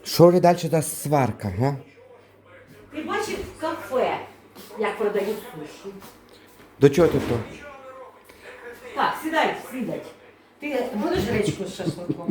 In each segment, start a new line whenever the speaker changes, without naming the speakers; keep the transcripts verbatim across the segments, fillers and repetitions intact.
Що вже далі за сварка, га?
Ти бачив в кафе, як продають суші?
До чого ти то?
Так, сідай, сідай. Ти будеш гречку з шашликом?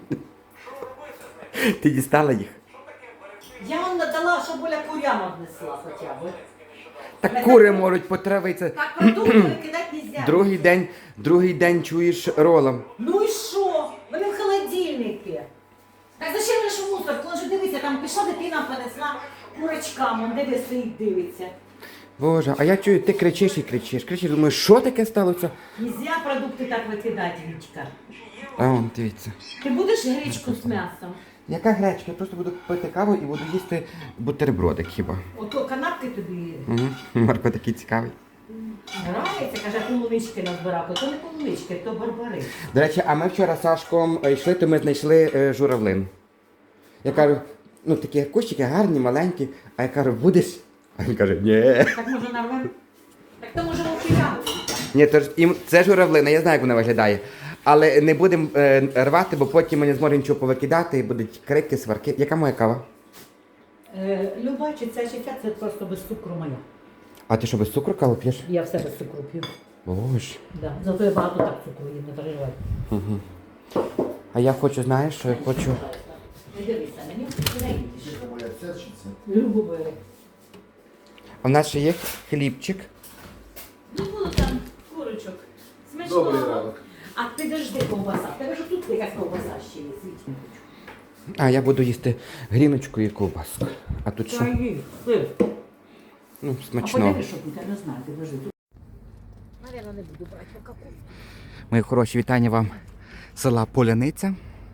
Ти дістала їх?
Я вам надала, щоб Оля курям однесла хоча б.
Так кури можуть потравитися.
Так продукти викидати нельзя.
Другий день, другий день чуєш ролом.
Ну і що? Вони в холодильнику. Так зачем лише мусор? Коли ж дивися, там пішла дитина, понесла курочкам, он диви стоїть, дивиться.
Боже, а я чую, ти кричиш і кричиш. Кричиш, думаю, що таке сталося?
Нельзя продукти так викидати, Вітька.
А вон, дивіться.
Ти будеш гречку з м'ясом?
Яка гречка? Я просто буду пити каву і буду їсти бутербродик хіба.
Ото канапки тобі
Угу. Марко такий цікавий.
грається, каже, полунички назбирав. То не полунички, то барбари.
До речі, а ми вчора з Сашком е, йшли, то ми знайшли е, журавлин. Я кажу, ну такі кущики гарні, маленькі, а я кажу, будеш? А він каже, ні.
Так може нарвемо? Так то може вовчиляли.
Ні, то ж, їм- це журавлина, я знаю, як вона виглядає. Але не будемо е, рвати, бо потім ми не зможемо нічого повикидати і будуть крики, сварки. Яка моя кава?
Е, Люба, чи ця чи ця, це просто без цукру моя.
А ти що, без цукру каву п'єш?
Я все без цукру п'ю.
Боже.
Да. Зато я багато так цукру їм, не переживай.
Угу. А я хочу, знаєш, що я хочу.
Не дивися, мені не їдеш. Любу бери.
А в нас ще є хлібчик.
Ну було там курочок. Смачного. А підожди ковбаса. В тебе ж тут якась ковбаса ще є, світі.
А я буду їсти гріночку і ковбаску. А тут що?
Чаї, сир.
Ну,
А
смачно.
подивись, що тут, я не знаю, підожди. Наверно, не буду брати каку.
Мої хороші, вітання вам з села Поляниця.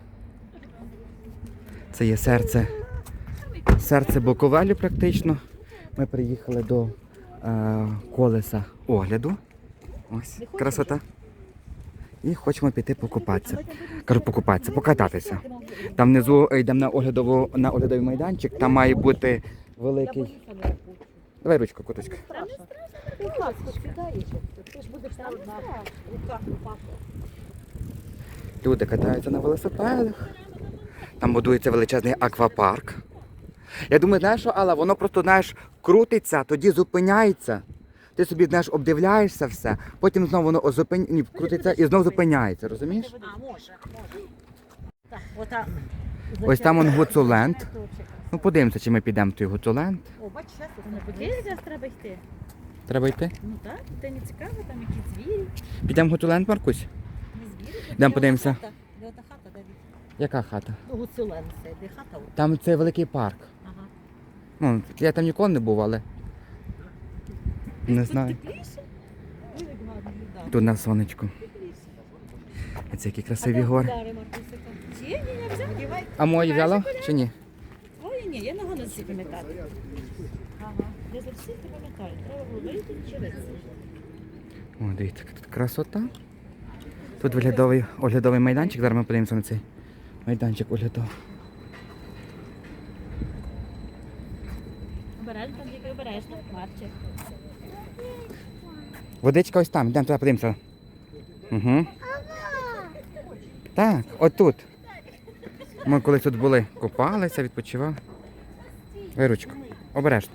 Це є серце, серце Буковелю практично. Ми приїхали до е, колеса огляду. Ось, красота. І хочемо піти покупатися. Кажу, покупатися, покататися. Там внизу йдемо на оглядову, на оглядовий майданчик, там має бути великий... Давай ручку, куточка. Люди катаються на велосипедах. Там будується величезний аквапарк. Я думаю, знаєш що, Алла, воно просто, знаєш, крутиться, тоді зупиняється. Ти собі, знаєш, обдивляєшся все, потім знову воно зупин... Ні, крутиться і знову зупиняється, розумієш?
А, може, може. Так, ота.
Ось там он Гуцуленд. Ну, подивимося, чи ми підемо в той Гуцуленд.
О, бач, зараз тут
Не подивись, зараз треба йти.
Треба йти?
Ну так, це не цікаво, там якісь звірі,
Підемо в Гуцуленд, Маркусь?
не звірі.
Йдемо подивимося.
Де ота хата, де від?
Яка хата?
Ну, Гуцулен це, де хата.
Там це великий парк.
Ага.
Ну, я там ніколи не був, але не знаю.
Тепліше? Ой, як гарно виглядає.
Тут на сонечку.
Тепліше.
Це які красиві гори.
Дари, Маркусика. Чи ні, не взяв, дівай.
А мої взяла чи ні?
Твої ні, я не можу всі пам'ятати. Ага, я за всіх не пам'ятаю. Треба було вийти через.
О, дивіться, яка тут красота. Тут оглядовий, оглядовий майданчик. Зараз ми подивимося на цей майданчик оглядовий.
Обережно, там тільки обережно, Марчик.
Водичка ось там, йдемо туди подивимося. Угу. Так, отут. Ми колись тут були, купалися, відпочивали. Виручку, обережно.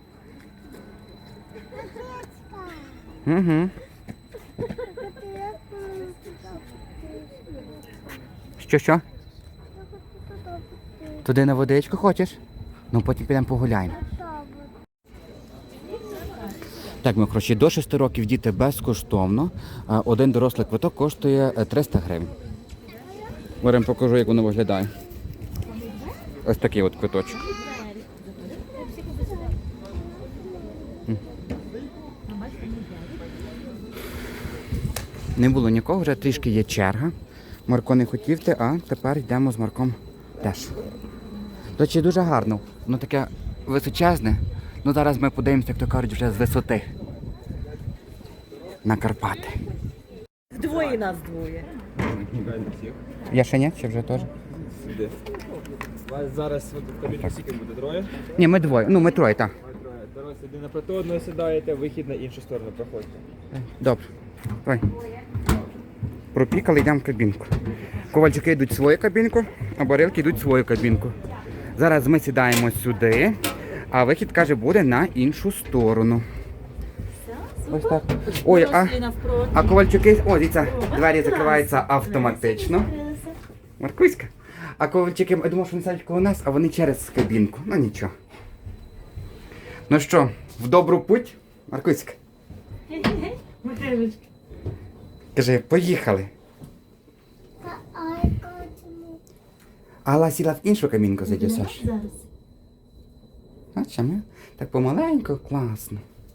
Угу. Що, що? Туди на водичку хочеш? Ну потім підемо погуляємо. Так, ми хороші, до шести років діти безкоштовно. А один дорослий квиток коштує триста гривень. Беремо покажу, як воно виглядає. Ось такий от квиточок. Не було нікого, вже трішки є черга. Марко не хотів йти, а тепер йдемо з Марком теж. До речі, дуже гарно. Воно таке височезне. Ну зараз ми подивимося, як то кажуть, вже з висоти. На Карпати.
Двоє нас двоє.
Я ще ні, чи вже теж?
Сюди. У вас зараз в кабіні скільки буде троє?
Ні, ми двоє. Ну, ми троє, так.
Ви троє. Дорослі один напроти одного сідаєте, вихід на іншу сторону проходьте.
Добре. Давай. Пропікали, йдемо в кабінку. Ковальчики йдуть в свою кабінку, а барилки йдуть в свою кабінку. Зараз ми сідаємо сюди, а вихід, каже, буде на іншу сторону. Ось так. Ой, а, а Ковальчуки, о, дивіться, двері закриваються автоматично. Маркуська. А Ковальчуки, я думав, що вони сядуть коло нас, а вони через кабінку. Ну нічого. Ну що, в добру путь, Маркуська? Каже, поїхали. Алла сіла в іншу камінку зайде, Саш. Бачиш, ми так помаленьку, класно.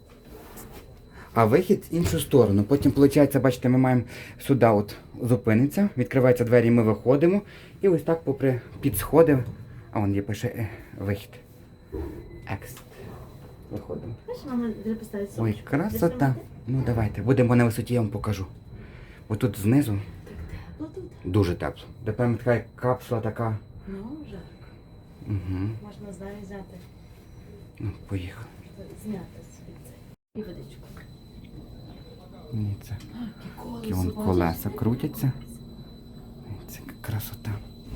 А вихід в іншу сторону. Потім, виходить, бачите, ми маємо сюди от зупиниться, відкриваються двері, ми виходимо. І ось так попри під сходи, а вон є пише е, вихід. Екс. Виходимо. Ой, красота. Ну давайте, будемо на висоті, я вам покажу. Ось тут знизу дуже тепло. Тепер така капсула така.
Ну, жарко.
Угу.
Можна зараз взяти,
Ну, поїхали.
зняти собі це. І водичку.
Ні, це. Які вон колеса крутяться. Це красота.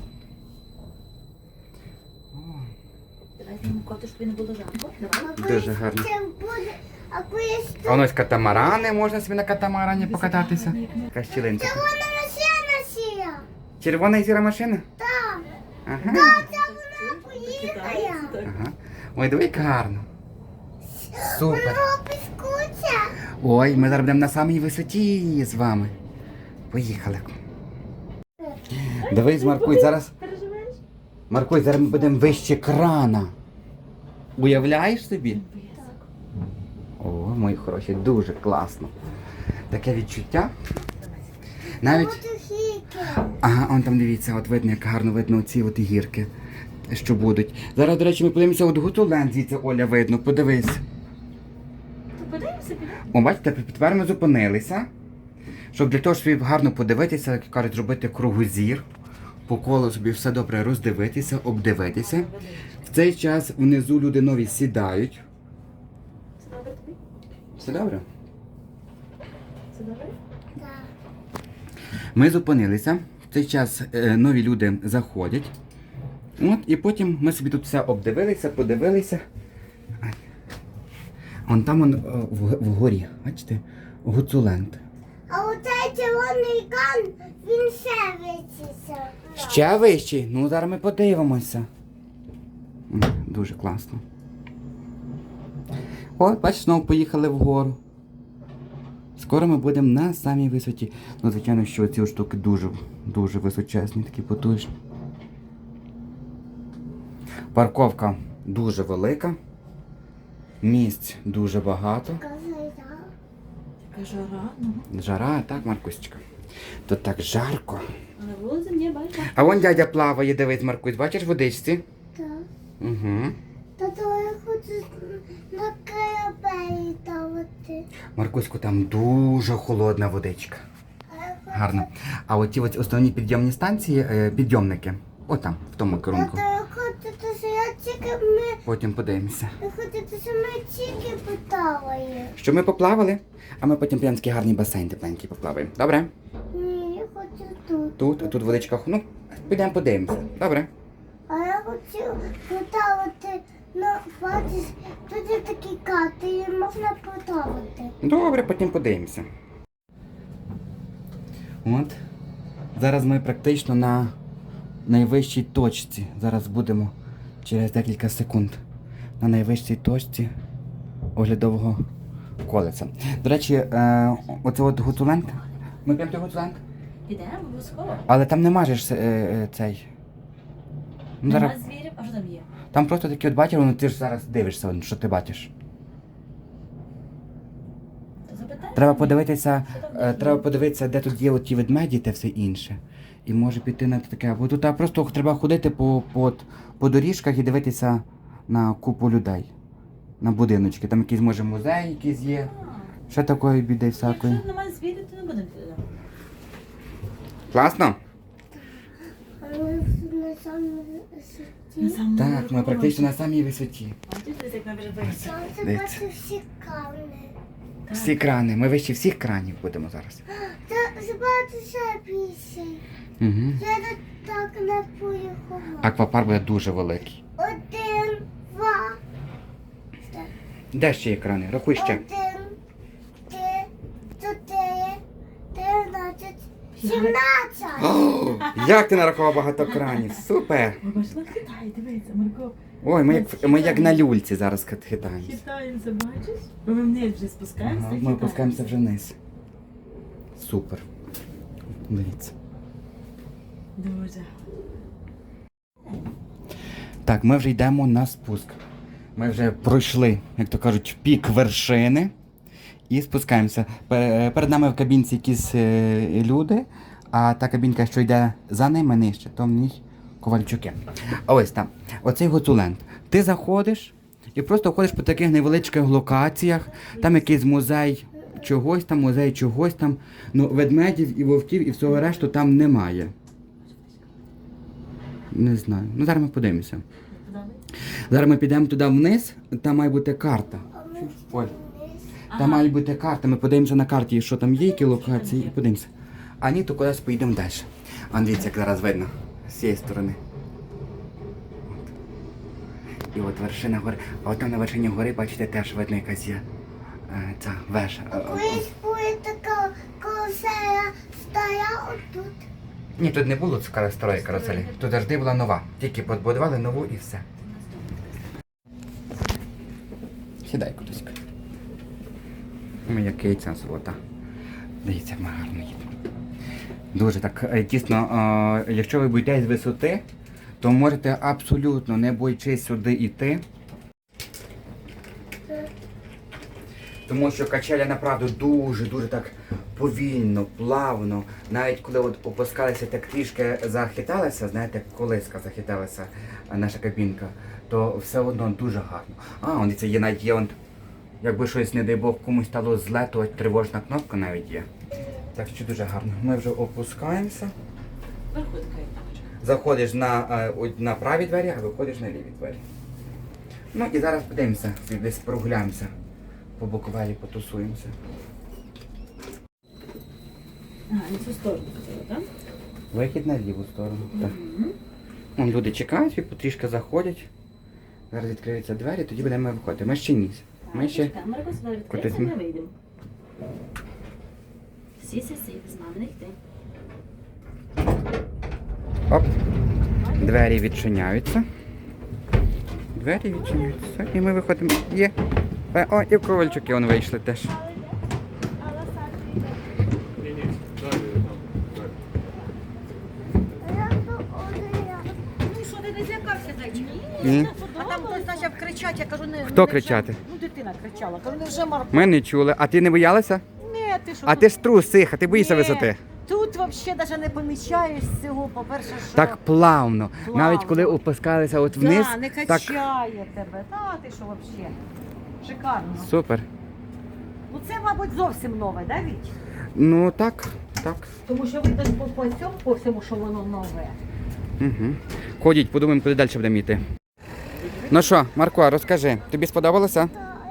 О,
Давай знімемо коту, щоб не було жарко. Давай.
дуже гарно.
А коли
А воно ось катамарани, можна собі на катамарані покататися. Яка щілинка.
вона машина сіла,
Червона і сіра машина?
так,
Ага.
це вона поїхає.
Ага. Ой, диви, як гарно. Супер.
Вона піскуться.
Ой, ми зараз будемо на самій висоті з вами. Поїхали. Дивись, Маркуй, зараз.
Переживаєш?
Маркуй, зараз ми будемо вище крана. Уявляєш собі? О, мої хороші, дуже класно. Таке відчуття. Навіть.
Мотоцикл.
Ага, он там дивіться, от видно, як гарно видно ці от гірки, що будуть. Зараз, до речі, ми подивимося, от Гуцуленд звідси, Оля, видно, подивись.
То подивимося, підемо.
О, бачите, тепер ми зупинилися, щоб для того, щоб гарно подивитися, як кажуть, зробити кругозір, по колу собі все добре роздивитися, обдивитися. В цей час внизу люди нові сідають.
Це добре тобі?
Все добре?
Це добре?
Так.
Ми зупинилися. В цей час е, нові люди заходять. От, і потім ми собі тут все обдивилися, подивилися. Ай. Вон там он, о, в, вгорі, бачите, Гуцуленд.
А оцей червоний кан, він ще вичиться.
Ще вищий? Ну, зараз ми подивимося. М, Дуже класно. О, бачиш, знову поїхали вгору. Скоро ми будемо на самій висоті. Ну, звичайно, що ці штуки дуже, дуже височезні, такі потужні. Парковка дуже велика. Місць дуже багато.
Казай, так.
Така жара, ну.
Жара, так, Маркусечка? Тут так жарко.
А на вулиці мені бачиш.
А вон дядя плаває, дивись, Маркусь, бачиш в водичці?
Так.
Угу.
Тато, я хочу на корабелі ставити.
Маркуську, там дуже холодна водичка.
А я хочу-
Гарно. А от ті от основні підйомні станції, е, підйомники, отам, в тому керунку.
Тато, я хочу, що я тільки ми...
Потім подивимося.
Я хочу, що ми тільки плаваємо.
Що ми поплавали, а ми потім прям такий гарний басейн тепленький поплаваємо. Добре?
Ні, я хочу тут.
Тут, а тут водичка, ну, підемо подивимося. Добре?
А я хочу плавати, ну, бачиш, тут є такі карти, і можна плавати.
Добре, потім подивимося. От. Зараз ми практично на найвищій точці. Зараз будемо через декілька секунд на найвищій точці оглядового колеса. До речі, е, оце от Гуцуленд. Ми прямо до Гуцуленд?
Підемо обов'язково.
Але там не мажеш е, е, цей. Ну, зараз,
Нема звірів, а що там є?
там просто такі от бачиш, ну ти ж зараз дивишся, що ти бачиш.
То запитай.
Треба подивитися, е, треба подивитися, де тут є ті ведмеді та все інше. І може піти на таке. Бо тут а, просто треба ходити по, по, по доріжках і дивитися на купу людей. На будиночки. Там якийсь може музей якийсь є. Ще такої біди всякої.
Якщо немає звірів, то не будемо туди.
Класно?
А ми на самому висоті.
Так, ми практично на самій висоті.
Бачиш, десь як ми вже вийшли.
Сонце
Дивіться.
бачу всі камни.
Всі крани. Ми вище всіх кранів будемо зараз.
Та забагато ще більше.
Угу.
Я до так не поїхала.
Аквапарк буде дуже великий.
Один, два,
Де ще є крани? Рахуй ще.
один, три, чотири, тринадцять, сімнадцять.
О, як ти нарахував багато кранів? Супер!
Бачила, хитає, дивіться, Марко.
Ой, ми як, ми як на люльці зараз хитаємося.
Хитаємося, бачиш? Ми вниз вже спускаємося.
Ага, ми опускаємося вже вниз. Супер. Дивіться.
Дуже.
Так, ми вже йдемо на спуск. Ми вже пройшли, як то кажуть, пік вершини і спускаємося. Пе- Перед нами в кабінці якісь е, люди, а та кабінка, що йде за ними нижче, то в ній Ковальчуки. А ось там, оцей Гуцуленд. Ти заходиш і просто ходиш по таких невеличких локаціях, там якийсь музей чогось там, музей чогось там. Ну, ведмедів і вовків і всього решту там немає. Не знаю. Ну зараз ми подивимося. Зараз ми підемо туди вниз, там має бути карта. Оль, там має бути карта, ми подивимося на карті, що там є, які локації, і подивимося. А ні, то кудись поїдемо далі. А дивіться, як зараз видно, з цієї сторони. От. І от вершина гори. А от там на вершині гори, бачите, теж видно якась є е, ця вежа. Е, е,
Колись буде така каруселя стара отут.
Ні, тут не було цікавої старої каруселі. Тут завжди була нова. Тільки побудували нову і все. Сідай кудись. Ми як яйця золота. Дивіться, як ми гарно їдемо. Дуже так е, тісно. Е, якщо ви боїтесь висоти, то можете абсолютно не боячись сюди йти. Тому що качеля направду дуже-дуже так повільно, плавно. Навіть коли от опускалися, так трішки захиталися, знаєте, як колиска захиталася а, наша кабінка, то все одно дуже гарно. А, он це є навіть є, он, якби щось, не дай Бог, комусь стало зле, то тривожна кнопка навіть є. Так що дуже гарно. Ми вже опускаємося. Заходиш на, е, о- на праві двері, а виходиш на ліві двері. Ну і зараз подивимося, десь прогуляємося. По Буковелі потусуємося.
Ага, на цю сторону хотіла, так?
Вихід на ліву сторону. Так. Вон люди чекають і потрішки заходять. Зараз відкриються двері, тоді будемо виходити. Ми ще ні. Ми ще.
Камера сюди
Кудись
відкриється,
ми-
ми вийдемо. Сі, сі, сі, з нами не йти.
Оп. Двері відчиняються. Двері відчиняються. І ми виходимо. Є. Е, О, і Ковальчуки вон вийшли теж.
Ну що, ти не злякався, зайчик?
Ні.
А там хтось почав кричати, я кажу, не...
Хто
не
кричати?
вже- Ну, дитина кричала. Кажу, не вже Марко.
Ми не чули. А ти не боялася?
Ні, ти що?
А
тут-
ти ж трус, сиха, ти боїшся
Ні,
висоти.
Тут взагалі навіть не помічаєш цього, по-перше, що...
Так плавно.
Плавно.
Навіть коли опускалися от вниз.
Да, не
так
качає тебе. Та ти що взагалі? Шикарно.
супер.
Ну це, мабуть, зовсім нове, да, Віть?
Ну так, так.
Тому що видно по, по цьому, по всьому, що воно нове.
Угу. Ходіть, подумаємо, куди далі будемо йти. Ну що, Марко, розкажи, тобі сподобалося?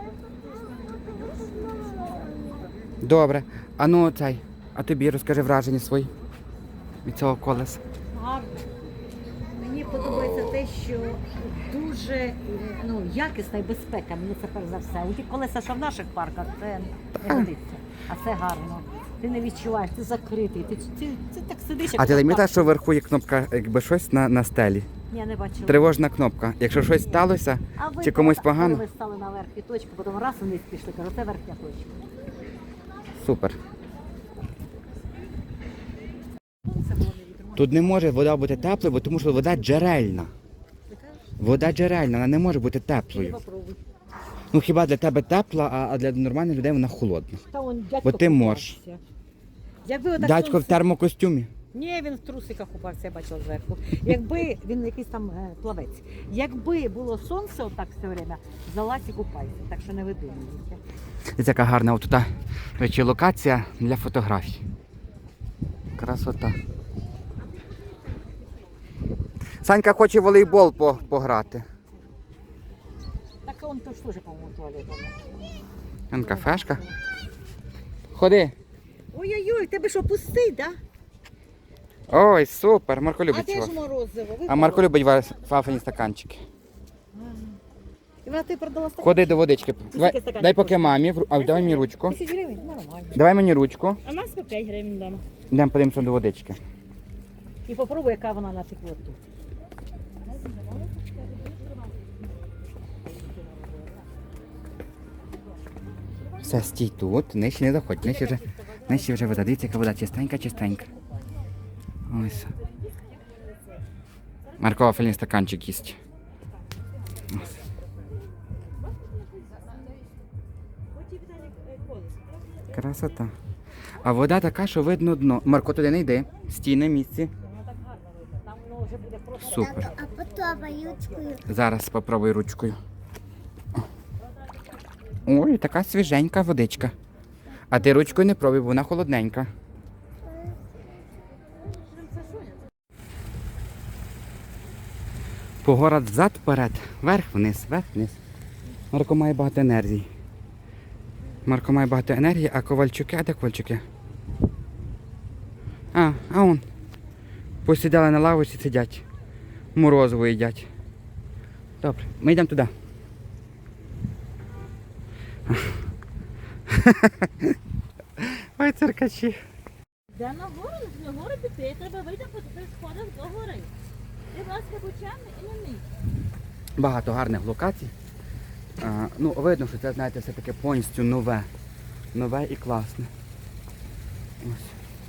Добре. А ну цей, а тобі розкажи враження свої від цього колеса.
Гарно. Мені подобається те, що дуже е, ну, якісна і безпека, мені це перш за все. У ті колеса, що в наших парках, це не годиться. А це гарно. Ти не відчуваєш, ти закритий, ти, ти, ти так сидиш, як
А ти
в
замітила,
парку.
що вверху є кнопка, якби щось на, на стелі?
Я не бачила.
Тривожна кнопка. Якщо щось сталося,
А ви
чи комусь
коли
погано,
ви стали на верхній точці, потім раз вниз пішли, кажу, це верхня точка.
супер.
Це було невідомо.
Тут не може вода бути теплою, бо тому що вода джерельна. Вода джерельна, вона не може бути теплою.
Попробуй.
Ну хіба для тебе тепла, а а для нормальних людей вона холодна.
Та он дядько
Бо ти
купався.
можеш.
Якби отак
Дядько в
сонце-
термокостюмі.
Ні, він в трусиках купався, я бачила зверху. Якби він якийсь там е, плавець. Якби було сонце отак все время, залазь і купайся, так що не видумуйте.
Ось яка гарна от тут, до речі, локація для фотографій. Красота. Санька хоче в волейбол по- пограти.
Так он то ж теж, по-моєму, туалет.
Вон кафешка. Ходи.
Ой-ой-ой, тебе що, пустий, да?
Ой, супер, Марко
А
любить
де ж
цього.
морозиво? Ви
А Марко любить ва- вафельні стаканчики.
І вона ти продала стакан?
Ходи до водички. Давай,
стаканчик
дай поки
коштує?
мамі, в ру- а давай мені ручку.
Тисяч гривень? Нормально.
Давай мені ручку.
А у нас по п'ять гривень вдома.
Йдемо подивимося до водички.
І попробуй, яка вона на теплоту.
Все, стій тут, нижче не заходь, нижче вже, нижче вже вода. Дивіться, яка вода чистенька, чистенька. Ось. Марко вафельний стаканчик їсть. Ось. Красота. А вода така, що видно дно. Марко, туди не йди. Стій на місці.
Там воно вже буде просто.
Супер.
А потім ручкою.
Зараз спробуй ручкою. Ой, така свіженька водичка. А ти ручкою не пробуй, бо вона холодненька. Погород взад, вперед, вверх, вниз, вверх, вниз. Марко має багато енергії. Марко має багато енергії, а ковальчуки, а де ковальчуки? А, а он. Посідали на лавочці, сидять. Морозиво їдять. Добре, ми йдемо туди. Ой, циркачі.
Де на гору, на гору піти, треба вийти по тих сходах до гори. Ти, будь ласка, бучами і не мій.
Багато гарних локацій. А, ну, видно, що це, знаєте, все таке повністю нове. Нове і класне. Ось.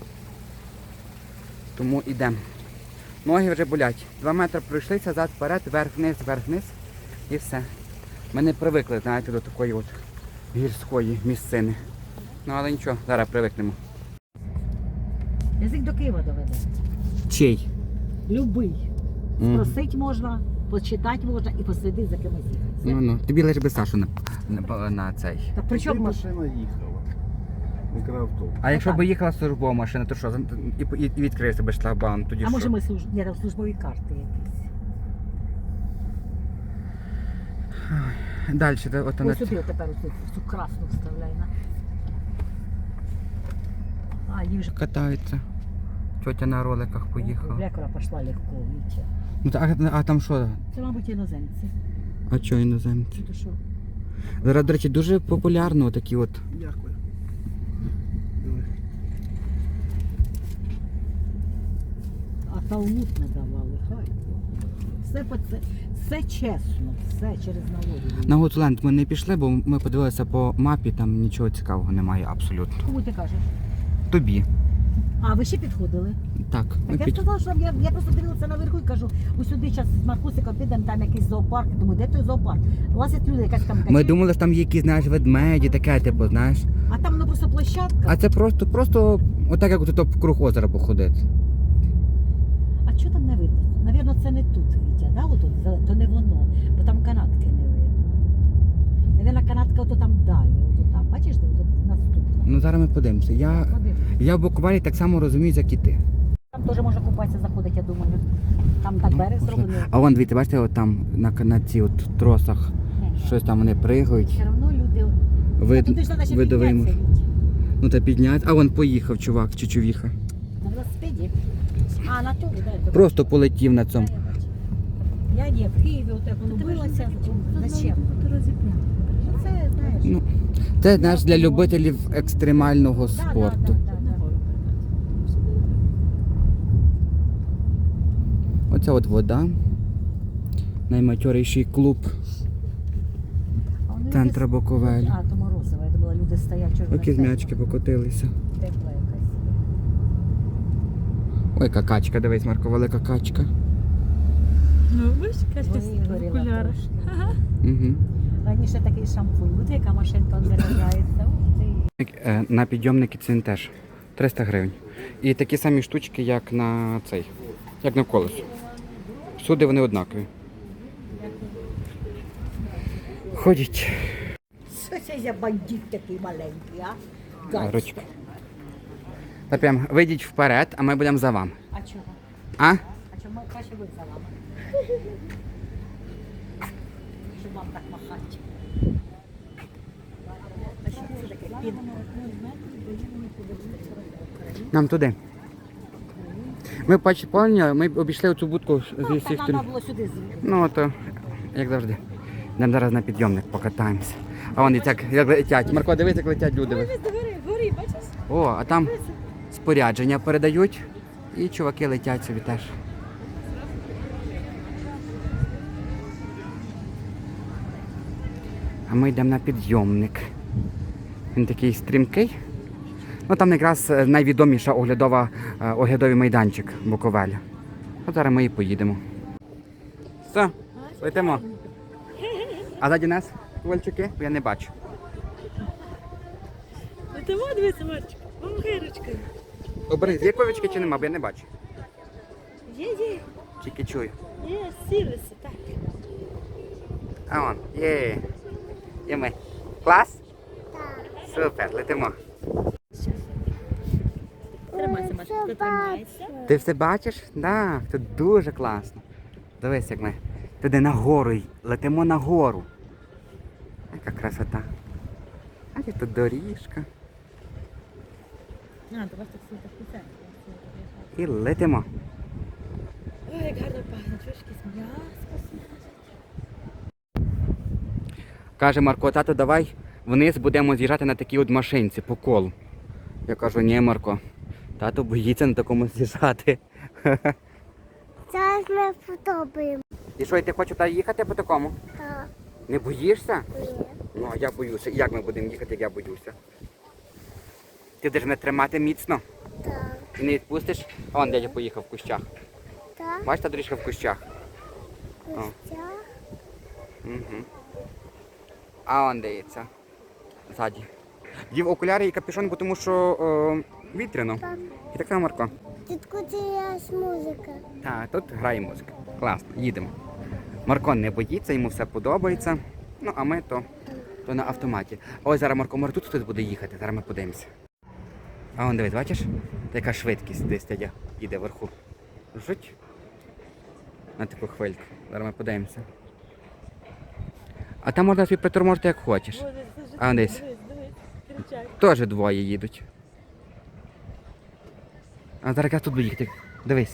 Тому йдемо. Ноги вже болять. Два метри пройшлися, зад вперед, вверх-вниз, вверх-вниз і все. Ми не привикли, знаєте, до такої от гірської місцини. Ну, але нічого, зараз привикнемо.
Язик до Києва доведе.
Чий?
Любий.
Мгм.
Спросить можна, почитати можна і послідити за кимось їхати.
Ну, ну, тобі лише би Сашу на, на, на цей.
Так при чому машина?
машина їхала. Мікроавтобус.
А якщо
так.
б їхала службова машина, то що? І, і, і відкрився би шлагбаум, тоді
А
що?
може ми служ... Ні, там службові карти якісь.
Далі, де, от вона.
Ось сюди тепер оцю, цю красну вставляй на. А, їй вже
Катаються. Тетя на роликах поїхала.
Блекора пішла легко, Вітя.
Ну, та- а, а там що?
Це, мабуть, іноземці.
А що іноземці?
То що?
Зараз, до речі, дуже популярно такі от.
Дякую.
А талмуд не давали, хай. Все, по це, все чесно, все через налоги.
На Готленд ми не пішли, бо ми подивилися по мапі, там нічого цікавого немає абсолютно.
Кому ти кажеш?
Тобі.
А, ви ще підходили?
Так, ми
Так я
під...
сказала, що я, я просто дивилася наверху і кажу, ось сюди зараз з Маркусиком підемо, там якийсь зоопарк. Думаю, де той зоопарк? Лазять люди, якась там
Ми
качель.
думали, що там є якісь, знаєш, ведмеді, таке, типу, знаєш.
А там воно просто площадка.
А це просто, просто, отак, як тут в круг озера походити.
А що там не видно? Навірно, це не тут, Вітя, да? Отут, зеле- то не воно, бо там канатки не видно. Навірно, канатка ото там далі, ото там. Бачиш, де ото наступна.
Ну зараз ми подивимося. Я,
Подивись.
я в буквалі так само розумію, як і ти.
Там теж можна купатися, заходити, я думаю. Там так берег
Можна.
зроблений.
А вон, дивіться, бачите, от там на, на ці от тросах щось там вони пригають.
Все одно люди...
Вид,
Туди ж треба ще
видовий муж.
піднятися, Вітя.
Ну та підняти. А вон поїхав чувак чи чувіха.
На велосипеді. А, на турі, дай.
Просто полетів на цьому.
Я ні, в Києві отак воно билося. Зачем? Ну це, знаєш.
Ну, це знаєш, для любителів екстремального
Да, да,
спорту.
да, да, да.
Оця от вода. Найматьоріший клуб
А вони
центра
якось-
Буковель.
А, то морозиво, я думала, люди стоять, чого ж
Окі
вони
м'ячки покотилися.
тепла якась.
Ой, яка качка, дивись, Марко, велика качка.
Ну, бачиш,
Вигоріла трошки.
Угу.
Раніше такий шампунь, буде яка машинка заряджається. Ух ти.
Е, На підйомники це теж триста гривень. І такі самі штучки, як на цей, як на колесо. Всюди вони однакові. Ходять.
Що це за бандит такий маленький, а?
А,
Гайс.
ручка. Та прям вийдіть вперед, а ми будемо за вами.
А чого?
А?
А чому краще ви за вами? Щоб вам так махати. А що це таке? Пін-
Нам туди. Ми бачите, поняли, ми обійшли оцю будку з
Ну,
усіх
та нам
сторін.
треба було сюди з'їхати.
Ну, то, як завжди. Йдемо зараз на підйомник, покатаємося. А вон як, як летять. Марко, дивись, як летять люди.
Ой, десь догори, вгорі, бачиш?
О, а там спорядження передають. І чуваки летять собі теж. А ми йдемо на підйомник. Він такий стрімкий. Ну там якраз е, найвідоміша оглядова, е, оглядовий майданчик Буковеля. От зараз ми і поїдемо. Все, летимо. А ззаді нас ковальчуки, я не бачу.
Ну ти во, дивися, Марчик. Вон гирочка.
Обережи, є ковальчуки чи нема, бо я не бачу.
Є, є.
Тільки чую.
Є, сілися, так.
А вон, є. Є ми. Клас? Супер, летимо.
Тримайся, Марчик, тримайся.
Ти все бачиш? Так, да, тут дуже класно. Дивись, як ми туди нагору й- летимо нагору. Яка красота. А і тут доріжка.
А, то вас так сильно так
І летимо.
Ой, як гарно пахне, чуєш, якесь м'ясо.
Каже Марко, тато, давай вниз будемо з'їжджати на такій от машинці по колу. Я кажу, ні, Марко, тато боїться на такому з'їжджати.
Зараз ми подобаємо.
І що, і ти хочеш туди їхати по такому?
Так.
Не боїшся?
Ні.
Ну, а я боюся. Як ми будемо їхати, як я боюся? Ти будеш мене тримати міцно
Так.
і не відпустиш? А вон дядя поїхав в кущах.
Так.
Бачиш, та доріжка в кущах?
Костя.
Угу. А он дивиться. Ззаді. Дів окуляри і капюшон, бо тому що о, вітряно.
Так.
І так само Марко.
Тітку, це є музика.
Так, тут грає музика. Класно, їдемо. Марко не боїться, йому все подобається. Ну, а ми то, то на автоматі. Ось зараз Марко, може тут хтось буде їхати, зараз ми подивимося. А он дивись, бачиш? Така швидкість десь дядя їде вверху. Жуть. На таку хвильку. Зараз ми подивимося. А там можна собі приторможити як хочеш. А десь.
Дивись, дивись, кричать.
Теж двоє їдуть. А зараз якраз тут буде їхати. Дивись.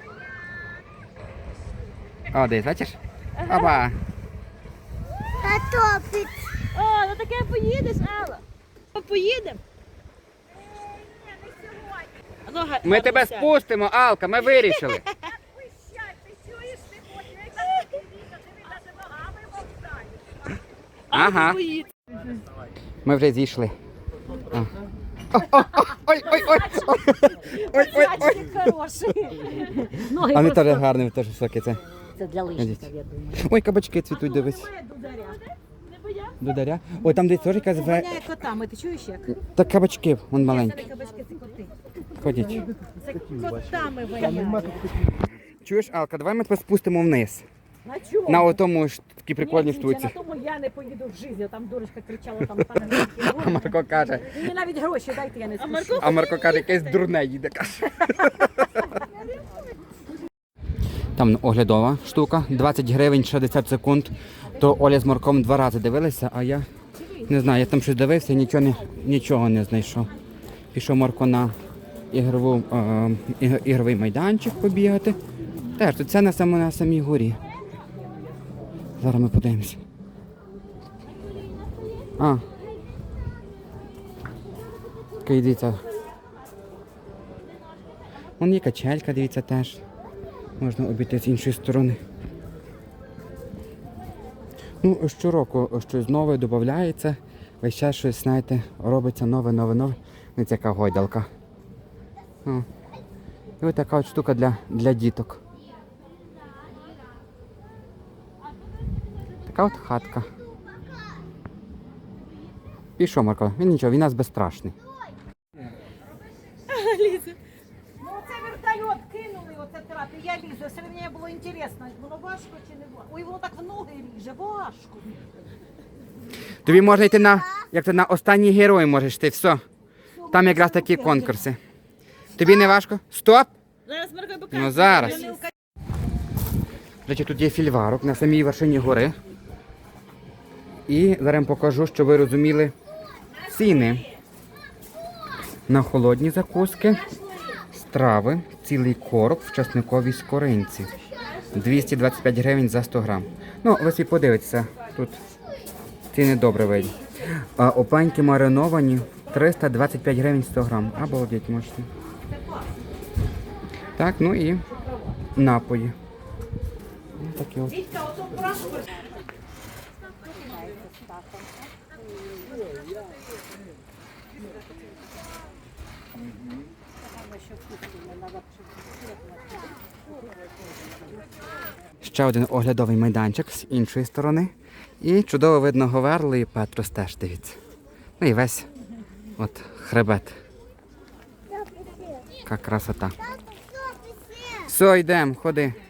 О, дивись, бачиш? Опа!
Та топить.
О, ну таке поїдеш, Алла. Поїдемо? Ну, га-
Ми тебе
гарно сядь.
спустимо, Алка, ми вирішили. Ага.
Поїдь.
Ми вже зійшли. А. О, о, о, Ой, ой, ой, ой, ой, ой, ой.
Мальчик хороший. Ноги
А не
просто-
теж гарний, теж високий це.
Це для лишників, я думаю.
Ой, кабачки цвітуть, дивись.
Не боявся?
Дударя. Ой, там десь теж якась ве...
Воняє котами, ти чуєш як?
Та кабачки, вон
Це не
маленькі.
кабачки, це коти.
Ходять.
Це котами воняє.
Чуєш, Алка, давай ми тебе спустимо вниз.
На чому?
На отому ж такій прикольній
Ні, Тінче,
штуці.
на тому я не поїду в житті, там дурочка кричала, там пане
А Марко каже,
Мені навіть гроші дайте, я не спішу.
Марко-
а Марко каже, якесь дурне їде, каже. Там оглядова штука, двадцять гривень, шістдесят секунд. То Оля з Марком два рази дивилися, а я не знаю, я там щось дивився, нічого не, нічого не знайшов. Пішов Марко на ігрову, е, іг- ігровий майданчик побігати. Теж тут це на, само, на самій горі. Зараз ми подивимося. А. Такий, дивіться. Вон є качелька, дивіться, теж. Можна обійти з іншої сторони. Ну, щороку щось нове додається. Весь час щось, знаєте, робиться нове, нове, нове. Ось яка гойдалка. О. І ось така от штука для, для діток. Така от хатка. І що, Марко? Він нічого, він нас безстрашний.
Ліза.
Ну оце вертольот кинули, оце трапи, я лізу, все мені було інтересно, воно важко чи не важко? Ой, воно так в ноги ріже, важко.
Тобі можна йти на, як то на останній герой можеш йти, все. Там якраз такі конкурси. Тобі не важко? Стоп!
Зараз Марко покаже.
Ну зараз.
Я не ука-
До речі, тут є фільварок на самій вершині гори. І зараз я вам покажу, щоб ви розуміли ціни на холодні закуски, страви. цілий короб в часниковій скоринці. двісті двадцять п'ять гривень за сто грам. Ну, ви собі подивитеся, тут ціни добре видні. А опеньки мариновані триста двадцять п'ять гривень сто грам. Обалдеть, можете. Так, ну і напої. Ось такі от. Ще один оглядовий майданчик з іншої сторони. І чудово видно Говерли і Петрос теж, дивіться. Ну і весь от хребет. Яка красота. Все, йдемо, ходи.